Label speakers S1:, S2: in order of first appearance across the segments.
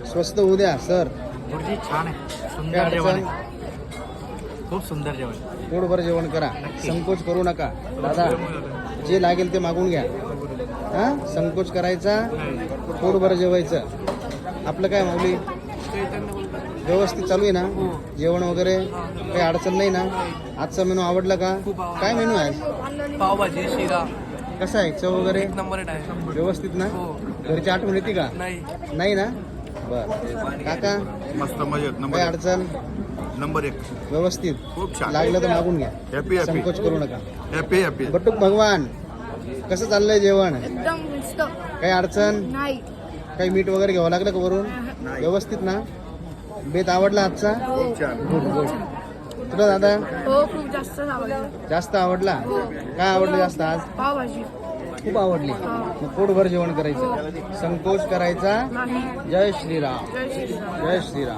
S1: स्वस्त होऊ द्या सर.
S2: गुरुजी छान आहे,
S1: काय
S2: सुंदर जेवण
S1: अडचण?
S2: आहे, खूप सुंदर जेवण.
S1: पोटभर जेवण करा,
S2: नक्की.
S1: संकोच करू नका दादा. जे लागेल ते मागून घ्या. हा, संकोच करायचा, पोटभर जेवायचं. आपलं काय माऊली व्यवस्थित चालू आहे ना? जेवण वगैरे काही अडचण नाही ना? आजचा मेनू आवडला का? काय मेनू आहे?
S2: पावभाजी, शिरा
S1: कसा आहे? चव वगैरे
S2: एक नंबर आहे.
S1: व्यवस्थित ना?
S2: हो.
S1: घरची आठवण येते का?
S2: नाही
S1: नाही ना? बर काका,
S3: मस्त मजेत
S1: काही अडचण?
S3: नंबर 1
S1: व्यवस्थित
S3: खूप छान.
S1: लागलं तर मागून घ्या,
S3: हॅपी हॅपी
S1: संकोच करू नका.
S3: Happy happy.
S1: बटूक भगवान, कसं चाललंय जेवण?
S4: एकदम मस्त.
S1: काही अडचण?
S4: नाही.
S1: काही मीठ वगैरे घ्यावं लागलं का वरून? व्यवस्थित ना? बेत आवडला आजचा?
S3: खूप छान.
S1: Good good. तुला दादा
S4: हो, खूप जास्त आवडलं.
S1: जास्त आवडला? काय आवडलं जास्त आज?
S4: पावभाजी
S1: खूप आवडली. मग पोटभर जेवण करायचं, संकोच करायचा.
S4: नाही.
S1: जय श्रीराम.
S4: जय श्रीराम.
S1: जय श्रीराम.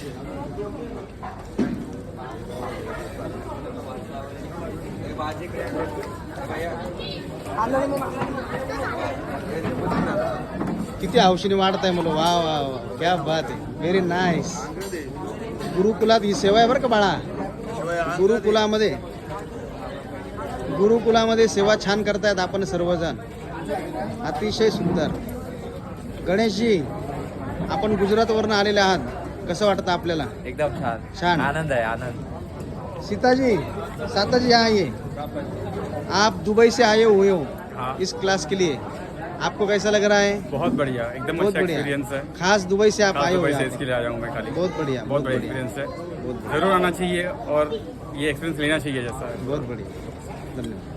S1: किती हौशीने वाढत आहे मुलं. वा वा वा, क्या बात आहे, व्हेरी नाईस. गुरुकुलात ही सेवा आहे बरं का बाळा. गुरुकुलामध्ये सेवा छान करतायत आपण सर्वजण. अतिशय सुंदर. गणेशजी, आपण गुजरातवरून आलेले आहात, कसं वाटतं आपल्याला?
S2: एकदम छान.
S1: छान.
S2: आनंद आहे, आनंद.
S1: सीताजी, साताजी आइए. आप दुबई से आए हुए हो
S5: हाँ।
S1: इस क्लास के लिए, आपको कैसा लग रहा है?
S5: बहुत बढ़िया, एकदम
S1: बहुत
S5: अच्छा
S1: बढ़िया.
S5: एक्सपीरियंस है.
S1: खास दुबई से आप
S5: खास
S1: आए हो
S5: दुबई से
S1: यहाँ
S5: इसके
S1: पर.
S5: लिए आया हूँ मैं खाली.
S1: बहुत बढ़िया,
S5: बहुत बढ़िया
S1: बढ़िया,
S5: एक्सपीरियंस है,
S1: बहुत बढ़िया,
S5: जरूर आना चाहिए और ये एक्सपीरियंस लेना चाहिए जैसा है.
S1: बहुत बढ़िया. धन्यवाद.